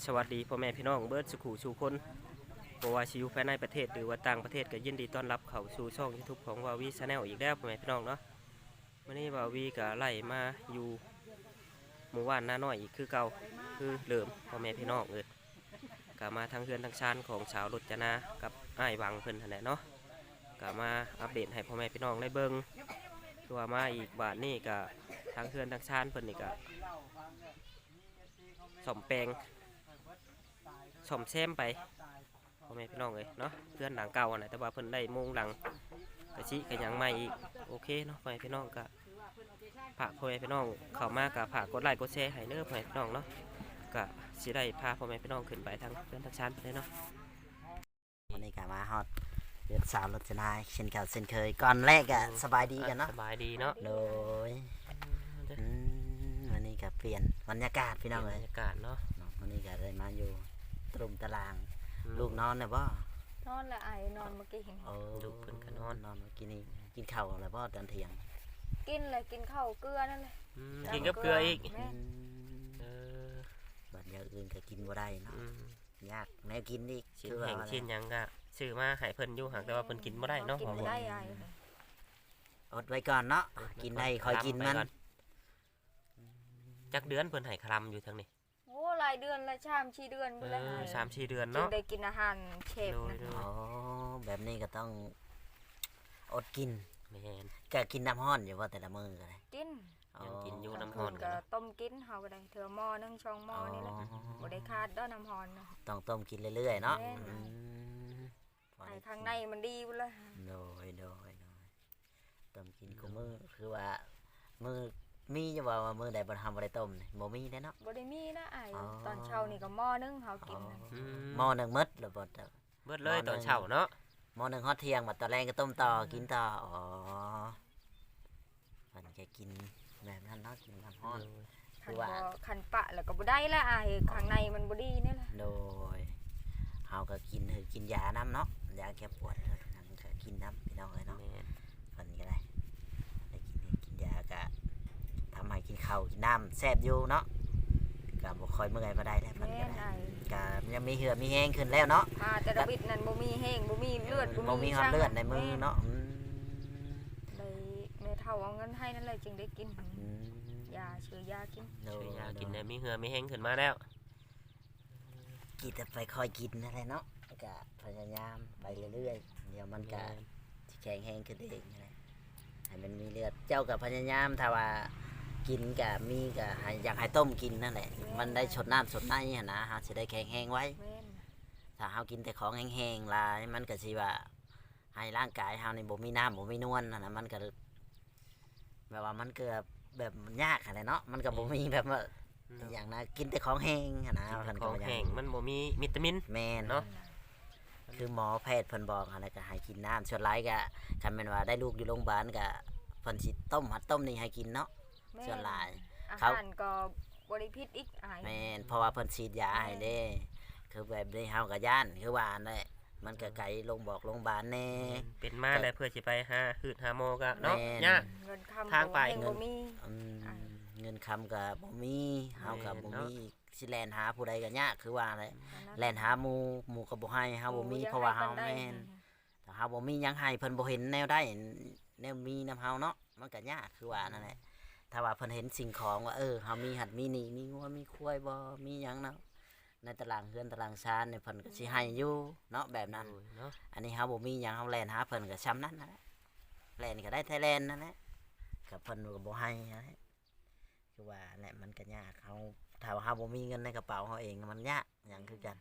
สวัสดีพ่อแม่พี่น้องเบิร์ดสุขุสู่คนบ่ว่าสิอยู่ภายในประเทศหรือว่าต่างประเทศก็ยินดีต้อนรับเข้าสู่ช่อง YouTube ของวาวีชาแนลอีกแล้วพ่อแม่พี่น้องเนาะวันนี้วาวีก็ไล่มาอยู่หมู่บ้านนาน้อยอีกคือเก่าคือเดิมพ่อแม่พี่น้องก็มาทางเฮือนทางชานของสาวรจนากับอ้ายวังเพิ่นนั่นแหละเนาะก็มาอัปเดตให้พ่อแม่พี่น้องได้เบิ่งคือว่ามาอีกบาทนี่ก็ทางเฮือนทางชานเพิ่นนี่ก็ซ่อมแปลงซ่อมแซมไปพ่อแม่พี่น้องเลยเนาะเพื่อนหลังเก่าน่ะแต่ว่าเพิ่นได้มุงหลังกระชิกันยังใหม่อีกโอเคเนาะพ่อแม่พี่น้องก็ฝากพ่อแม่พี่น้องเข้ามากับฝากกดไลค์กดแชร์ให้เด้อพ่อแม่พี่น้องเนาะก็สิได้พาพ่อแม่พี่น้องขึ้นไปทางเพื่อนทางชั้นไปเลยเนาะวันนี้ก็มาฮอดเดือนสาวรจนาเช่นเก่าเช่นเคยก่อนแรกอะสบายดีกันเนาะสบายดีเนาะโดยวันนี้ก็เปลี่ยนบรรยากาศพี่น้องเลยบรรยากาศเนาะวันนี้ก็ได้มาอยู่ตรุมตารางลูกนอนเนี่ยบ่นอนละไอนอนเมื่อกี้เห็นลูกเพิ่นก็นอนนอนเมื่อกี้นี้กินข้าวอะไรบ่ตอนเที่ยงกินเลยกินข้าวเกลือนั่นเลยกินกับเกลืออีกแม่เออบัดอย่างอื่นก็กินบ่ได้เนาะยากแนวกินอีกชิ้นแห้งชิ้นหยังก็ซื้อมาให้เพิ่นอยู่หากแต่ว่าเพิ่นกินบ่ได้เนาะกินไม่ได้ไออดไว้ก่อนเนาะกินได้คอยกินมันจักเดือนเพิ่นให้คลำอยู่ทางนี้โอ้หลายเดือนละ3-4 เดือนไปแล้ว 3-4 เดือนจึงเนาะได้กินอาหารเชฟนะอ๋อแบบนี้ก็ต้องอดกินแม่นก็กินน้ำห้อนอยู่ว่าแต่ละมื้อก็ได้กินยังกินอยู่น้ำคืร้อนนกันก็เนาะต้มกินเฮาก็ได้เถื่อหม้อนึงช่องหม้อนี่แหละบ่ได้ขาดด้อน้ำร้อนนะต้องต้มกินเรื่อยๆเนาะแม่น ไอข้างในมันดีพุ่นเลยโดยต้มกินกูมือคือว่ามือมีจะว่ามือใดบ่ทำบ่ได้ต้มนี่บ่มีเด้เนาะบ่ได้มีนะไออ๋อตอนเช้านี่ก็หม้อนึงเฮากินนะหม้อหนึงหมดแล้วบ่ต้มเบิดเลยตอนเช้าเนาะหม้อหนึงฮอดเที่ยงบัดตอนแรงก็ต้มต่อกินต่ออ๋อมันก็กินแบบนั้นเนาะกินน้ำร้อน คืคัอน ว่าบ่คันปะแล้วก็บ่ได้ละไอข้างในมันบ่ดีนี่แหละโดยเฮาก็กินยาน้ำเนาะยาแก้ปวดนั่นก็กินน้ำพี่น้องเอ้ยเนาะแม่นเพิ่นก็ได้กินยาก็ทำให้กินข้าวกินน้ำแซ่บอยู่เนาะก็บ่ค่อยเมื่อยบ่ได้แล้วเพิ่นแม่ก็นได้ไอก็ยังมีเหือดมีแห้งขึ้นแล้วเนาะพาแต่ละวิตนั่นบ่มีแห้งบ่มีเลือดบ่มีฮอดเลือดในมือเนาะเลยแม่เฒ่าเอาเงินให้นั่นเลยจึงได้กินอืมยาซื้อยากินโดช่วยยากินได้มีเหือมีแห้งขึ้นมาแล้วกินแต่ไปคอยกินนั่นแหละเนาะก็พยายามไปเรื่อยๆเดี๋ยวมันก็สิแข็งแห้งขึ้นเองนั่นแหละให้มันมีเลือดเจ้าก็พยายามถ้าว่ากินก็มีก็ให้อยากให้ต้มกินนั่นแหละมันได้ชดน้ำชดในหั่นนะเฮาสิได้แข็งแห้งไว้แม่นถ้าเฮากินแต่ของแห้งๆหลายมันก็สิว่าให้ร่างกายเฮานี่บ่มีน้ำบ่มีนวลนั่นน่ะมันก็แบบว่ามันเกิดแบบยากอะไรเนาะมันก็บ่มีแบบว่าอย่างนะกินแต่ของแห้งหั่นนะกินเพิ่นขก็องว่าอย่างแห้งมันบ่มีวิตามินแม่นเนาะคือหมอแพทย์เพิ่นบอกอะไรก็ให้กินน้ำส่วนหลายก็คันแม่นว่าได้ลูกอยู่โรงพยาบาลก็เพิ่นสิต้มหัดต้มนี่ให้กินเนาะแม่นส่วนหลายอาเขาหารก็บ่ได้พิษอีกอายแม่นเพราะว่าเพิ่นฉีดยาให้เด้ คือแบบนี้เฮาก็ย่านคือว่านั่นแหละมันก็ไกลลงบอกโรงพยาบาลแน่เป็นมาแล้วเพื่อสิไปหาหืดหาโมก็เนาะแม่นยากเงินคำทางไปเงินบ่มีอืมอ่าเงินคำก็บ่มีเฮาก็บ่แม่นเนาะมีสิแล่นหาผู้ใดก็ยากคือว่าแหละอันนั้นแล่นหาหมู่ก็บ่ให้เฮาบ่มีโอ้ยเพราะว่ายังเฮาให้แม่นปนใดถ้าเฮาบ่มีหยังให้เพิ่นบ่เห็นแนวได้แนวมีนํเฮาเนาะมันก็ยากคือว่านั่นแหละถ้าว่าเพิ่นเห็นสิ่งของว่าเฮามีหัดมีนี่มีงัวมีควายบ่มีหยังเนาะในตารางเฮือนตารางชานเนี่ยเพิ่นก็สิให้อยู่เนาะแบบนั้นโอ้ยเนาะอันนี้เฮาบ่มีหยังเฮาแล่นหาเพิ่นก็ซ้ำนั้นนั่นแหละแล่นก็ได้ไทยแลนด์นั่นแหละก็เพิ่นก็บ่ให้นั่นแหละคือว่าแหละมันก็ยากเฮาถ้าว่าเฮาบ่มีเงินในกระเป๋าเฮาเองมันยากหยังคือกัน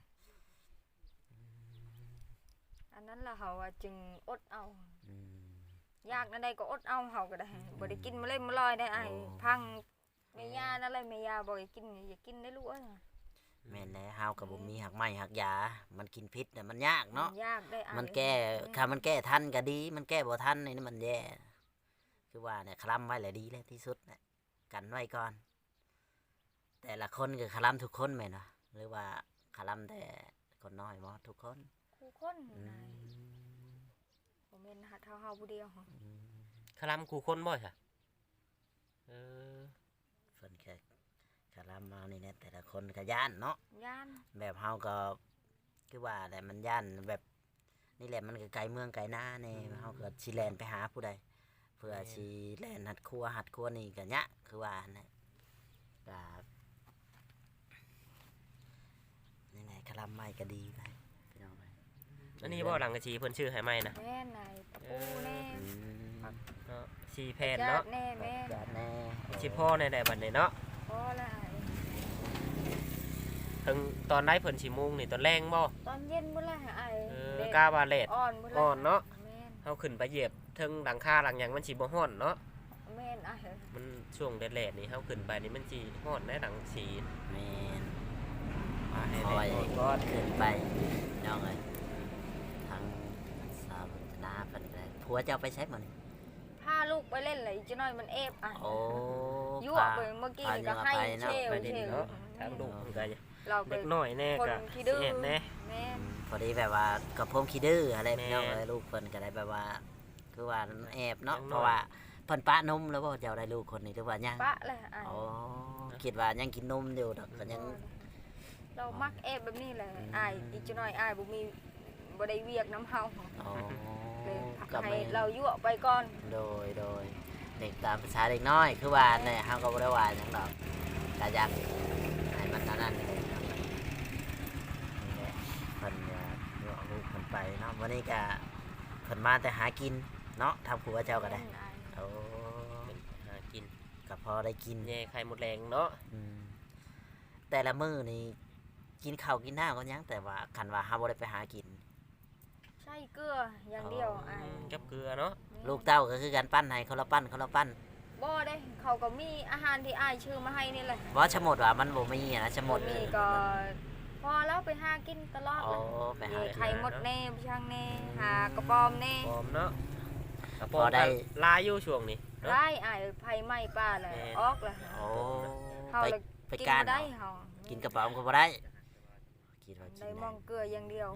อันนั้นล่ะเฮาว่าจึงอดเอาอืมยากนั่นใดก็อดเอาเฮาก็ได้บ่ได้กินมาเลยมาลอยได้ไอ้โอ้พังแม่ย่านั่นเลยแม่ย่าบอกให้กินอย่ากินได้ลูกเอ้ยแม่นแล้วเฮาก็บ่มีหักไม้หักยา มันกินพิษน่ะมันยากเนาะยากได้ไอ้มันแก้ถ้ามันแก้ทันก็ดี มันแก้บ่ทันนี่มันแย่คือว่าเนี่ยคลำไว้แหละดีแล้วที่สุดน่ะกันไว้ก่อน แต่ละคนก็คลำทุกคนแม่นบ่หรือว่าคลำแต่คนน้อยบ่ทุกคนคู่คนอืนายมบ่แม่นหาเฮาผู้เดียวอืมคลำคู่คนบ่จ้ะเออเพิ่นก็คารามานี่เนี่ยแต่ละคนก็ย่านเนาะย่านแบบเฮาก็คือว่าแหละมันย่านแบบนี่แหละมันก็ไกลเมืองไกลหน้าแน่เฮาก็สิแล่นไปหาผู้ใดเพื่อสิแล่นหัดครัวนี่ก็ยะคือว่านะก็นี่แหละคาราไม้ก็ดีไปพี่น้องไปอันนี้บ่หลังกะชีเพิ่นชื่อให้ใหม่นะแม่นไหนตะปูแน่อืมเนาะสีแผ่นเนาะญติแน่แม่นจัดแน่สิพ่อในใดบัดนี้เนาะพอละถึงตอนได้เพิ่นสิมุงนี่ตอนแรงบ่ตอนเย็นพุ่นละไอ้กล้าบาเลตอ่อนพุ่นละอ่อนเนาะแม่นเฮาขึ้นไปเหยียบถึงหลังคาหลังหยังมันสิบ่ฮ้อนเนาะแม่นไอ้มันช่วงแดดๆนี่เฮาขึ้นไปนี่มันสิฮ้อนได้หลังสีแม่นมาให้คอยแดดก็ขึ้นไปน้องเอ้ยทางสาวนาเพิ่นได้ผัวเจ้าไปใช้หมดนี่พาลูกไปเล่นเลยจะน้อยมันเอฟอ่ะโอ้ยั่วไปเมื่อกี้นี่ก็ให้เชลไปดิเชนลเนาะทางลูกมันก็เราไปเด็กน้อยแน่คนก็ขี้สิดื้อเอ็ดแน่แม่นพอดีแบบว่ากับผมขี้ดื้ออะไรแม่พี่น้องเอ้ยลูกเพิ่นก็ได้แบบว่า คือว่าแอบเนาะยังน้อยเพราะว่าเพิ่นปะนมแล้วบ่เจ้าได้ลูกคนนี้หรือว่ายังปะเลยไอ้อ๋อคิดว่ายังกินนมอยู่ดอกก็ยังเรามักเอฟแบบนี้แหละไอ้อีกจะน้อยไอ้บ่มีบ่ได้เวียกน้ำเฮาอ๋อเลยก็ให้ไม่เรายั่วไปก่อนโดยเด็กตามภาษาเด็กน้อย คือว่าเนี่ยเฮาก็บ่ได้ว่าหยังดอกก็อยากให้มันเท่านั้นเลยครับนี่แหละเพิ่นก็ยั่วลูกเพิ่นไปเนาะวันนี้ก็เพิ่นมาแต่หากินเนาะทำผัวเจ้าก็ได้โอ้หากินก็พอได้กินแย่ไข่มดแดงเนาะอืมแต่ละมื้อนี่กินข้าวกินน้ำก็ยังแต่ว่าคันว่าเฮาบ่ได้ไปหากินใช่เกลืออย่างเดียวไอ้กับเกลือเนาะลูกเต้าก็คือการปั้นให้คนละปั้นคนละปั้นบ่ได้เขาก็มีอาหารที่อ้ายชื่อมาให้นี่แหละบ่ชะมดว่ามันบ่มีอะนะชะมดมีก็พอแล้วไปหากินตลอดโอ้เลยไปหาไข่มดแน่ช่างแน่หากระปอมแน่ปอมเนาะกระพปออมได้ลายอยู่ช่วงนี้เนาะไล่อ้ายไผไหม้ป้าเลยแม่นออกเลยโอ้เฮาไปเลยไปกินการบ่ได้เอาเฮากินกระเป๋าก็บ่ได้คิดว่ากินได้ได้มองเกลืออย่างเดียว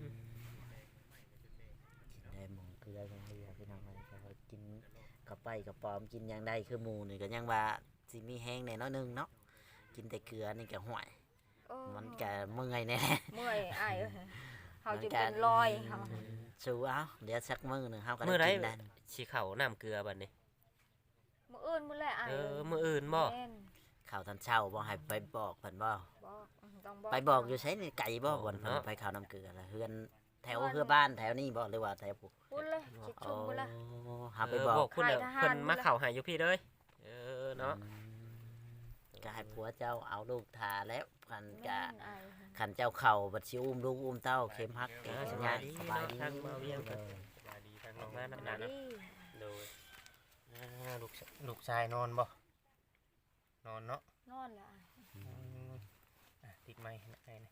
ได้หมองเกลืออย่างเดียวพี่น้องเอ้ยแต่ว่ากินกระไปกระป๋อมกินหยังได้คือหมู่นี่ก็ยังว่าสิมีแห้งแน่น้อยหนึงเนาะกินแต่เกลือนี่ก็ห่วยเออมันก็เมื่อยแน่เมื่อยอ้ายเอ้ยเฮามันจะก็เป็นรอยเฮาสู้เอาเดี๋ยวสักมื้อหนึงเฮาก็มื้อใดได้กินได้สิเข้าน้ำเกลือบัดนี้มื้ออื่นมื้อแลอ้ายมื้ออื่นบ่แม่นข้าวตอนเช้าบ่ให้ไปบอกเพิ่นบ่บอกต้องบอกไปบอกอยู่ใช้ในไก่บ่บ่นเพิ่นไปข้าวน้ำเกลือละเฮือนแถวเฮือบ้านแถวนี้บ่หรือว่าแถวผู้พูดเลยชิดชุมพูดเลยหาไปบอกคุณเด้อให้ทหารเพิ่นมาเข้าให้อยู่พี่เด้อเนาะก็ให้ผัวเจ้าเอาลูกทาแล้วคันแม่กะนอ้ายคันเจ้าเข่าบัดสิอุ้มลูกอุ้มเต้าเข้มฮักสบายดีสบายดีเนาะทางเบาเวียงเออสบายดีทางน้องมาน้ำหนาดีเนาะโดยลูกชายนอนบ่นอนเนาะนอนละอ้ายติดไม้ให้นะ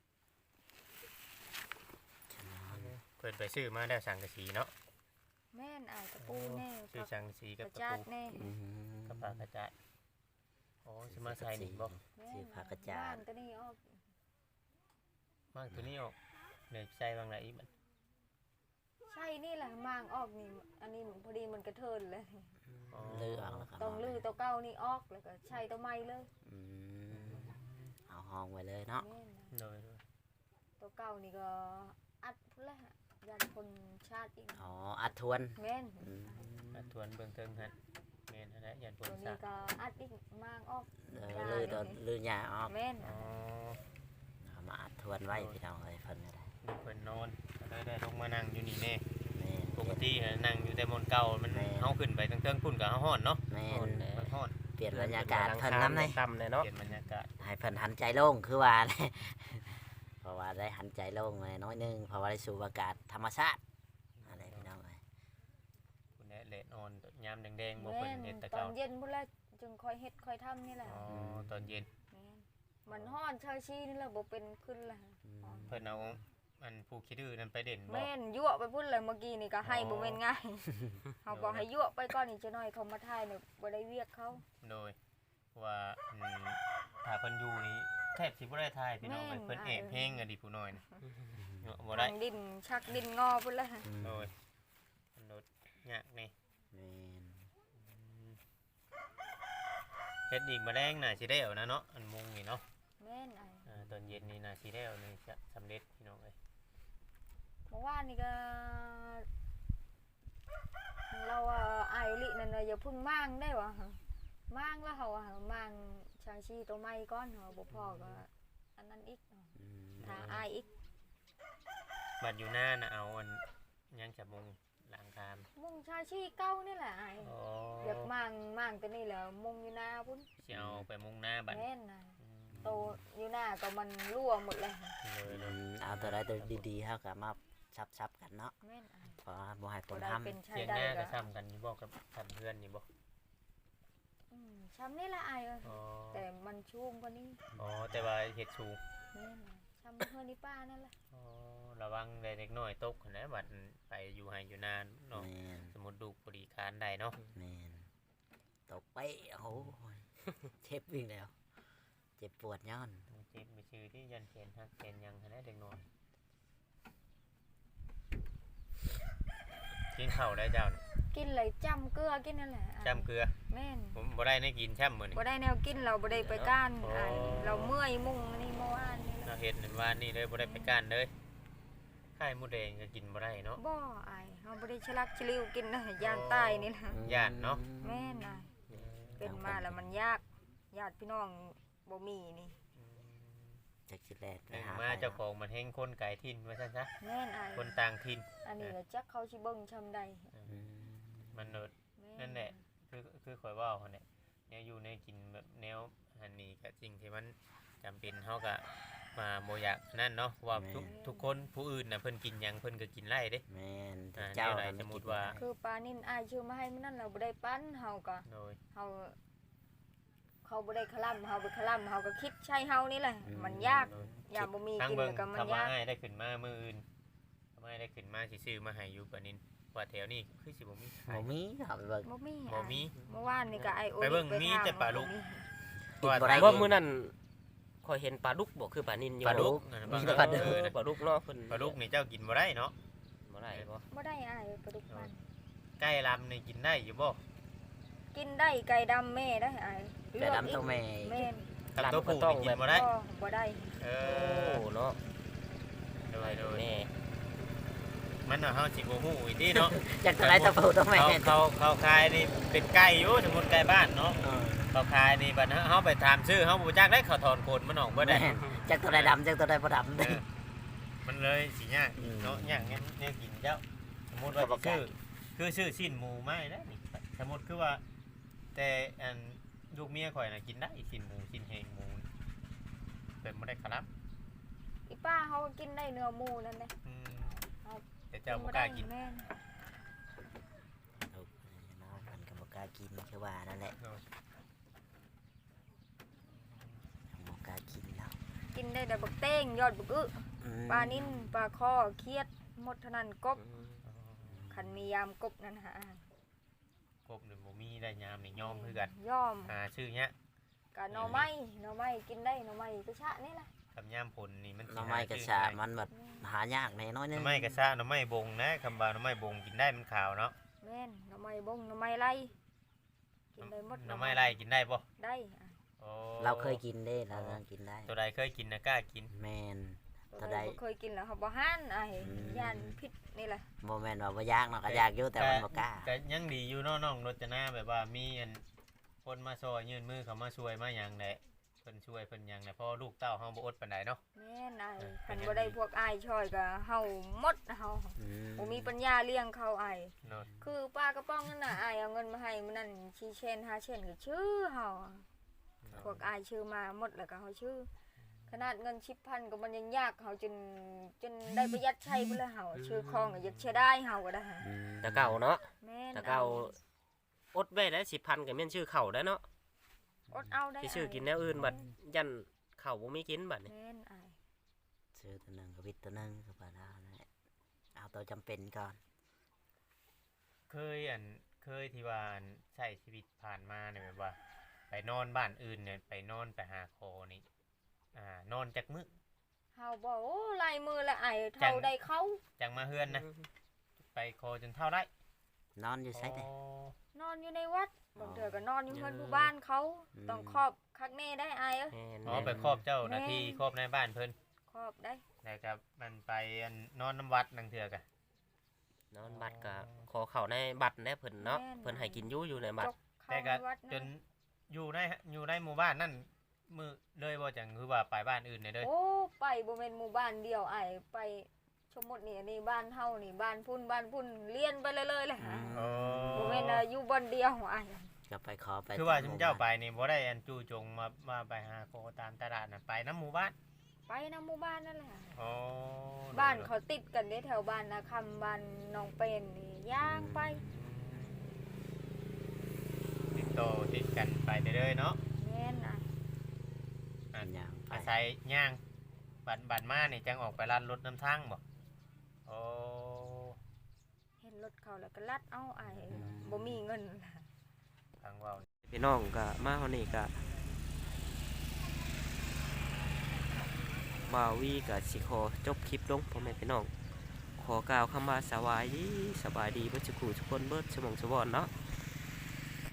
เพิ่นไปซื้อมาได้สังกะสีเนาะแม่นอ้ายตะปูแน่ซื้อสังกะสีกกับระตะจาดปูแน่อืมกับปลากระจายโอ้สิมาใส่นี่บ่แม่ซื้อผักกระจาดบ้นตัวนี้ออกมากตัวนี้ออกเดี๋ยวใส่บางไหนอีกบัดใช่นี่แหละมางออกนี่อันนี้พอดีมันกระเทินเลยอ๋อลือเอาแล้วก็ต้องลื้อตัวเก่านี่ออกแล้วก็ใช้ตัวใหม่เลยอืมเอาห้องไว้เลยเนาะแม่นนะโดยตัวเก่านี่ก็อัดพุ่นละยันคนชาติอีกอ๋ออัดทวนแม่นอืมมาทวนเบิ่งเทิงฮะแม่นอะไรยันปนตัวซะนี้ก็อัดอีกมางออกลือตอนลือหญ้าออกแม่นอ๋อเอามาอัดทวนไว้พี่น้องเอ้ยเพิ่นก็ได้ดูเพิ่นนอนก็เลยได้ลงมานั่งอยู่นี่แน่แม่นปกตินั่งอยู่แต่บนเก่ามันเฮาขึ้นไปเทิงๆพุ่นก็เฮาฮ้อนเนาะแม่นมันฮ้อนเปลี่ยนบรรยากาศเพิ่นน้ำเลยต่ำเลยเนาะเปลี่ยนบรรยากาศให้เพิ่นหันใจโล่งคือว่า เลยเพราะว่าได้หันใจโล่งเลยน้อยหนึงเพราะว่าได้สูบอากาศธรรมชาติอะไรพี่น้องเอ้ยคุณแน่เลดออนยามแดงๆบ่แม่เพิ่นนเฮ็ดแต่ตอเก่านเย็นพุ่นละจึงค่อยเฮ็ดค่อยทำนี่แหละอ๋อตอนเย็นแม่นมันฮ้อนชาชีนี่แหละบ่เป็นขึ้นละเพิ่นเอาอันผู้คิดดื้อนั่นไปเด่นบ่แม่นยั่วไปพุ่นเลยเมื่อกี้นี่ก็ให้บ่แม่นง่ายเขาบอกให้ยั่วไปก่อนนี่จะน้อยเขามาถ่ายเนี่ยบ่ได้เวียกเขาโดยว่าถ้าเพิ่นอยู่นี่แทบสิบ่ได้ทายพี่น้องเอ้ยเพิ่นแอบเพลงอะดิผู้น้อยนะบ่ได้ทางดินชักดินงอพุ่นละโดยมันโดดยากนี่แม่นเฮ็ดอีกมาแรงน่ะสิได้เอานะเนาะอันมุงนี่เนาะแม่นไอ้ตอนเย็นนี่น่ะสิได้เอานี่จะสำเร็จพี่น้องเอ้ยเมื่อวานนี่ก็เราอายลินั่นน่ะอย่าเพึ่งมั่งได้วะมั่งแล้วเขามั่งชางชีตัวไม้ก้อนเหรอบ่พอก็อันนั้นอีกถ้าอายอีกบัดอยู่หน้าน่ะเอาอันยังจะมุงหลังคามมุงชางชีเก้านี่แหละอายอ๋ออยากมั่งแต่นี่แหละมุงอยู่หน้าพุ่นสิเอาไปมุงหน้าบัดแม่นน่ะโตอยู่หน้าก็มันรั่วหมดเลยเลยเอาตัวใดตัวดีๆเฮาก็มาซับๆกันเนาะแม่นอายเพราะว่าบ่ให้ผบ่ลได้ทำเป็นใช้เทียงได้หน้าก็ก็ซ้ำกันอยู่บ่กับทำเพื่อนนี่บ่ช้ำนี่แหละอายเอ้ยอ๋อแต่มันชุ่มกว่านี้อ๋อแต่ว่าเฮ็ดสูงแม่นน่ะช้ำเพื่อนนี่ป้านั่นแหละอ๋อระวังได้เล็กน้อยตกนะบัดไปอยู่ให้อยู่นานเนาะแม่นสมมุติดูบริการได้เนาะแม่นตกไปโอ้โหเจ็บวิ่งแล้ว เจ็บปวดย้อนเจ็บไปชื่อที่ยันเขนฮักเขนยังให้ได้เด็กน้อยกินข้าวได้เจ้าน่ะกินเลยจำเกลือกินนั่นแหละอายจำเกลือแม่นผมบ่ได้ในกินแช่มมื้อนี้บ่ได้แนวกินเราบ่ได้ไปก้านอ๋ออายเราเมื่อยมุ่งนี่เมื่อวานนี่แหเราละเฮ็ดนั่นว่านี่เลยบ่ได้ไปก้านเลยไข่หมูแดงก็กินบ่ได้เนาะบ่อายเฮาบ่ได้ฉลักฉลิวกินนะย่านตายนี่ล่ะย่านเนาะแม่นอายเป็นมาแล้วมันยากญาติพี่น้องบ่มีนี่จักสิแลดไปหนึ่งหามาไปเจ้าของมันแห้งคนไก่ถิ่นว่าซั่นซะแม่นอายคนต่างถิ่นอันนี้ก็จักเขาสิเบิ่งชำใดอืมมันเนิดแม่นั่นแหละคือข่อยเว่าเขาเนี่ยแนวอยู่ในกินแบบแนวอันนี้กับสิ่งที่มันจำเป็นเขาก็มาโมอยากนั่นเนาะว่าทุกคนผู้อื่นน่ะเพิ่นกินหยังเพิ่นก็กินไล่เด้แม่นแต่อ่าเจ้าแนวใดน่ะสมมุติว่าคือปลานิ่นอายชื่อมาให้มันนั่นเราบ่ได้ปั้นเฮาก็โดยเฮาเขาบ่ได้คลำเฮาไปคลำเฮาก็คิดใช้เฮานี่แหละมันยากโดยอย่าบ่มีทางกินเบิ่งแล้วก็มันคำว่ายากง่ายได้ขึ้นมามื้ออื่นคำว่าได้ขึ้นมาสิซื้อมาให้อยู่ปะนินว่าแถวนี้คือสิบ่มีขายบ่มีเอาไปเบิ่งบ่มีบ่มีเมื่อวานนี่ก็ไอโอไปเบิ่งมีถแต่ปลาลูกบ่มีบ่ได้ว่ามื้อนั้นข่อยเห็นปลาดุกบ่คือปลานิลอยู่ปลาดุกมีแต่ปลาดุกปลาดุกเนาะเพิ่นปลาดุกนี่เจ้ากินบ่ได้เนาะบ่ได้บ่บ่ได้อายปลาดุกมันไก่ลำนี่กินได้อยู่บ่กินได้ไก่ดำแม่ได้อายไก่ดำตัวแม่แม่นกับตัวผู้นี่กินบ่ได้บ่ได้เอโอ้อเนาะโดยโดยแน่มันน่ะเฮาสิบ่ฮู้อีกทีเนาะจักตัวใดตัวผู้ตัวแม่เขาขายนี่เป็นไก่อยู่สมมุติไก่บ้านเนาะเออเขาขายนี่บัดเฮาไปถามชื่อเฮาบ่จักได้เขาถอนโคนมันออกบ่ได้แม่นจักตัวใดดำจักตัวใดบ่ดำเออมันเลยสิยากอืมเนาะยากงั้นเนี่ยกินเจ้าสมมุติว่าเขาบอกชื่อคือชื่อสิ้นหมูไม้แล้วนี่สมมุติคือว่า แต่อันลูกเมียข่อยน่ะกินได้สิ้นหมูสิ้นแหงหมูนี่เป็นบ่ได้ครับอีป้าเขาก็กินได้เนื้อหมูนั่นแหละอืมครับแต่เจ้าบ่กล้ากินแม่นลูกน้องมันก็บ่กล้ากินคือว่านั่นแหละเนาะบ่กล้ากินแล้วกินได้แต่บักเต้งยอดบักอึอืมปลานิ่นปลาคอเครียดหมดเท่านั้นกบอืมคันมียามกบนั่นหากบนี่บ่มีได้ยามนี่ยอมคือกันย่อมหาชื่อเนี้ยกับหน่อไม้กินได้หน่อไม้กระชะนี่แหละกับยามผลนี่มันหน้ำไม้กระชามันแบบหายากแน่น้อยหนึน่อง ไม้กระชะหน่อไม้บงนะคำว่าหน่อไม้บงกินได้มันขาวเนาะแม่นหน่อไม้บงหน่อไม้ไล่กินได้หมดหน่อไม้ไร่กินได้บ่ได้อะโอ้เราเคยกินได้เรากินได้ตัวใดเคยกินนะกล้ากินแมนตัวเท่าใดใดบ่เคยกินแล้วเขาบ่ห้านไอ้อืมย่านพิษนี่แหละโมแมนว่าบ่ยากเนาะก็ยากอยู่แต่มันบ่กล้าก็ยังดีอยู่เนาะน้องรจนาแบบว่ามีอันคนมาซอยยื่นมือเขามาช่วยมาหยังแหละเพิ่นช่วยเพิ่นหยังแหละเพราะลูกเต้าเฮาบ่อดปานใดเนาะแม่นไอ้เป็นคันยังไงบ่ได้พวกอ้ายช่อยก็เฮาหมดเฮาอืมบ่มีปัญญาเลี้ยงเขาไอ้เนาะคือป้ากระป้องนั่นน่ะอ้ายเอาเงินมาให้มื้อนั้นชีเชน5เชนก็ชื่อเฮาพวกอ้ายชื่อมาหมดแล้วก็เฮาชื่อ ขนาดเงิน10,000ก็มันยังยากเฮาจนได้ประหยัดใช้พุ่นแล้วเฮาชื่อของก็อยากเสียดายเฮาก็ได้อืมแต่เก่าเนาะแม่นแต่เก่าอดไว้ได้10,000ก็แม่นชื่อเข้าได้เนาะอดเอาได้สิชื่อกินแนวอื่นบัดยันเข้าวบ่มีกินบัดนี่แม่นอ้ายซื้อตัวหนึงกับวิตตัวหนึงก็บ่ได้นั่นแหละเอาตัวจำเป็นก่อนเคยที่ว่าอันใช้ชีวิตผ่านมาเนี่ยแบบว่า ไปนอนบ้านอื่นเนี่ยไปนอนไปหาคอนี่นอนจักมื้อเฮาบอกโอ้ลายมือละอ้ายจัเท่าง ได้เขาจังมาเฮือนนะไปคอจนเท่าได้นอนอยู่ไสได้นอนอยู่ในวัดบางเทื่อก็นอนอยู่เฮือนผู้บ้านเขาต้องครอบคักแน่ได้อายเอ้ยแม่นอ๋อไปครอบเจ้าหน้าที่ครอบในบ้านเพิ่นครอบได้แล้วก็มันไปอันนอนน้ำวัดนังเถื่อกะนอนบัตรก็ขอเข้าในบัตรแน่เพิ่นเนาะเพิ่นให้กินอยู่ในบัจตรกเข้าแต่ในก็วัดจนะนอยู่ในหมู่บ้านนั่นมือเลยบ่จังคือว่าไปบ้านอื่นเลยเด้อโอ้ไปบ่แม่นหมู่บ้านเดียวไอ้ายไปสมมุตินี่บ้านเฮานี่บ้านพุ่นเลียนไปเลยแหละฮะโอ้บ่แม่นอยู่บ่อนเดียวอ้ายก็ไปขอไปคือว่าตชุหมมู่เจ้าไปบ้นนี่บ่ได้อันจู่จงมาไปหาโคตามตลาดน่ะไปน้ำหมู่บ้านไปนำหมู่บ้านนั่นแหละโอ้บ้านเขาติดกันได้แถวบ้านนาคำบ้านหนองเป็นนี่ย่างไปติดต่อติดกันไปเรื่อยๆเนาะแม่นอ้ายย่างไปอาศัยย่างบัดมานี่จังออกไปลัดรถน้ำทางบ่โอ้เห็นรถเขาแล้วก็ลัดเอาอ้ายบ่มีเงินทางเว้าพี่น้องก็มาเฮานี่ก็บ่าววีก็สิขอจบคลิปลงพ่อแม่พี่น้องขอกล่าวคำว่าสบายดีเบิดสุขุทุกคนเบิดสมองสวรรค์เนาะ